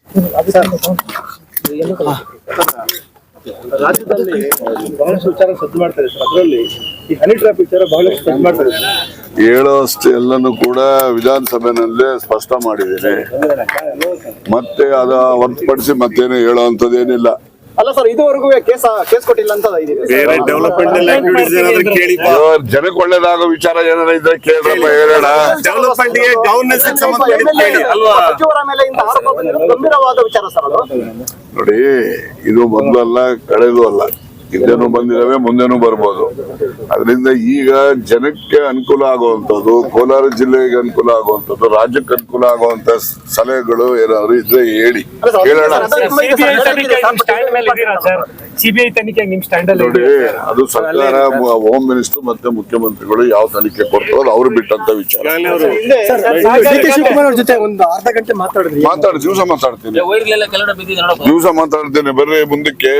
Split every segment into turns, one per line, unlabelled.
ರಾಜ್ಯದಲ್ಲಿ ಬಹಳಷ್ಟು ವಿಚಾರ ಸದ್ದು ಮಾಡ್ತಾರೆ ಸರ್. ಅದರಲ್ಲಿ ಈ ಹನಿ ಟ್ರಾಪ್ ವಿಚಾರ ಬಹಳಷ್ಟು ಸದ್ದು ಮಾಡ್ತಾರೆ.
ಹೇಳೋಷ್ಟು ಎಲ್ಲನೂ ಕೂಡ ವಿಧಾನಸಭೆನಲ್ಲೇ ಸ್ಪಷ್ಟ ಮಾಡಿದ್ದೇನೆ. ಮತ್ತೆ ಅದ ಹೊರತುಪಡಿಸಿ ಮತ್ತೇನು ಹೇಳುವಂತದ್ದೇನಿಲ್ಲ.
ಅಲ್ಲ ಸರ್, ಇದುವರೆಗೂ ಕೇಸ್ ಕೊಟ್ಟಿಲ್ಲ ಅಂತ
ಜನಕ್ಕೆ ಒಳ್ಳೇದಾಗೋ ವಿಚಾರ ಏನಾರ ಇದ್ರೆ ಕೇಳ್ರಪ್ಪ, ಹೇಳೋಣ. ನೋಡಿ, ಇದು ಮೊದಲಲ್ಲ ಕಳೆದು ಅಲ್ಲ, ಹಿಂದೆನೂ ಬಂದಿದ್ದಾವೆ, ಮುಂದೆನೂ ಬರ್ಬೋದು. ಅದರಿಂದ ಈಗ ಜನಕ್ಕೆ ಅನುಕೂಲ ಆಗುವಂಥದ್ದು, ಕೋಲಾರ ಜಿಲ್ಲೆಗೆ ಅನುಕೂಲ ಆಗುವಂಥದ್ದು, ರಾಜ್ಯಕ್ಕೆ ಅನುಕೂಲ ಆಗುವಂತ ಸಲಹೆಗಳು ಏನಾದ್ರು ಇದ್ರೆ ಹೇಳಿ, ಕೇಳೋಣ.
ಸಿಬಿಐ ತನಿಖೆ ನಿಮ್ ಸ್ಟ್ಯಾಂಡ್ ಅಲ್ಲಿ
ನೋಡಿ, ಅದು ಸರ್ಕಾರ, ಹೋಮ್ ಮಿನಿಸ್ಟರ್ ಮತ್ತೆ ಮುಖ್ಯಮಂತ್ರಿಗಳು ಯಾವ ತನಿಖೆ ಕೊಡ್ತಾರೋ ಅವ್ರು ಬಿಟ್ಟಂತ ವಿಚಾರ.
ಜೊತೆ ಒಂದು ಅರ್ಧ ಗಂಟೆ ಮಾತಾಡಿದ್ರಿ.
ದಿವಸ ಮಾತಾಡ್ತೀನಿ, ದಿವಸ ಮಾತಾಡ್ತೇನೆ. ಬರ್ರಿ ಮುಂದಕ್ಕೆ.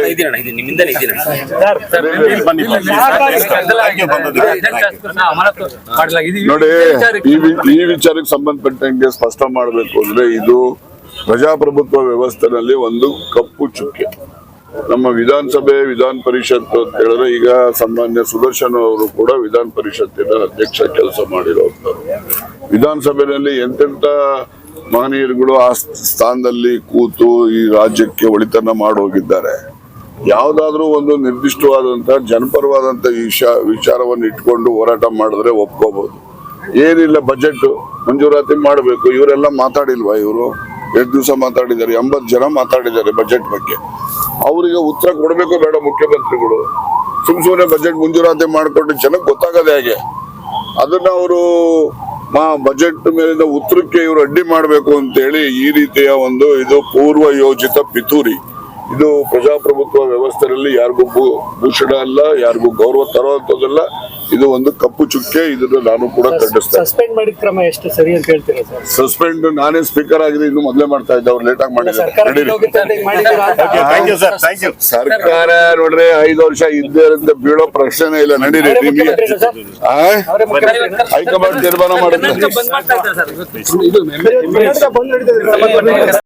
ನೋಡಿ, ಈ ವಿಚಾರಕ್ಕೆ ಸಂಬಂಧಪಟ್ಟಂಗೆ ಸ್ಪಷ್ಟ ಮಾಡಬೇಕು ಅಂದ್ರೆ, ಇದು ಪ್ರಜಾಪ್ರಭುತ್ವ ವ್ಯವಸ್ಥೆನಲ್ಲಿ ಒಂದು ಕಪ್ಪು ಚುಕ್ಕೆ. ನಮ್ಮ ವಿಧಾನಸಭೆ, ವಿಧಾನ ಪರಿಷತ್ ಅಂತ ಹೇಳಿದ್ರೆ, ಈಗ ಸಾಮಾನ್ಯ ಸುದರ್ಶನ್ ಅವರು ಕೂಡ ವಿಧಾನ ಪರಿಷತ್ತಿನ ಅಧ್ಯಕ್ಷ ಕೆಲಸ ಮಾಡಿರೋರು. ವಿಧಾನಸಭೆಯಲ್ಲಿ ಎಂತೆಂತ ಮಹನೀಯರುಗಳು ಆ ಸ್ಥಾನದಲ್ಲಿ ಕೂತು ಈ ರಾಜ್ಯಕ್ಕೆ ಒಳಿತನ್ನ ಮಾಡೋಗಿದ್ದಾರೆ. ಯಾವ್ದಾದ್ರೂ ಒಂದು ನಿರ್ದಿಷ್ಟವಾದಂತಹ ಜನಪರವಾದಂತ ವಿಚಾರವನ್ನು ಇಟ್ಕೊಂಡು ಹೋರಾಟ ಮಾಡಿದ್ರೆ ಒಪ್ಕೋಬಹುದು. ಏನಿಲ್ಲ, ಬಜೆಟ್ ಮಂಜೂರಾತಿ ಮಾಡಬೇಕು. ಇವರೆಲ್ಲ ಮಾತಾಡಿಲ್ವಾ? ಇವರು 2 ದಿವಸ ಮಾತಾಡಿದ್ದಾರೆ, 80 ಜನ ಮಾತಾಡಿದ್ದಾರೆ ಬಜೆಟ್ ಬಗ್ಗೆ. ಅವರಿಗೆ ಉತ್ತರ ಕೊಡಬೇಕು ಬೇಡ ಮುಖ್ಯಮಂತ್ರಿಗಳು? ಸುಮ್ಮನೆ ಬಜೆಟ್ ಮಂಜೂರಾತಿ ಮಾಡಿಕೊಂಡು ಜನಕ್ಕೆ ಗೊತ್ತಾಗದೆ ಹೇಗೆ? ಅದನ್ನ ಅವರು ಬಜೆಟ್ ಮೇಲಿನ ಉತ್ತರಕ್ಕೆ ಇವರು ಅಡ್ಡಿ ಮಾಡಬೇಕು ಅಂತೇಳಿ ಈ ರೀತಿಯ ಒಂದು ಇದು ಪೂರ್ವ ಯೋಜಿತ ಪಿತೂರಿ. ಇದು ಪ್ರಜಾಪ್ರಭುತ್ವ ವ್ಯವಸ್ಥೆಯಲ್ಲಿ ಯಾರಿಗೂ ಭೂಷಣ ಅಲ್ಲ, ಯಾರಿಗೂ ಗೌರವ ತರುವಂತದಲ್ಲ. ಇದು ಒಂದು ಕಪ್ಪು ಚುಕ್ಕೆ. ಇದನ್ನು ನಾನು ಕೂಡ ಖಂಡಿಸ್ತೇನೆ.
ಸಸ್ಪೆಂಡ್ ಮಾಡಿದ ಕ್ರಮ ಎಷ್ಟು ಸರಿ ಅಂತ ಹೇಳ್ತೀರಾ ಸರ್?
ಸಸ್ಪೆಂಡ್ ನಾನೇ ಸ್ಪೀಕರ್ ಆಗಿದೆ, ಇನ್ನು ಮೊದಲೇ ಮಾಡ್ತಾ ಇದ್ದೆ. ಅವ್ರು ಲೇಟ್ ಆಗಿ ಮಾಡಿದ್ದಾರೆ. ಸರ್ಕಾರ ನೋಡ್ರಿ 5 ವರ್ಷ ಇದ್ದೇ ಅಂತ ಬೀಳೋ ಪ್ರಶ್ನೆ ಇಲ್ಲ. ನಡೀರಿ, ನಿಮಗೆ ಹೈಕಮಾಂಡ್ ತೀರ್ಮಾನ ಮಾಡುತ್ತೆ.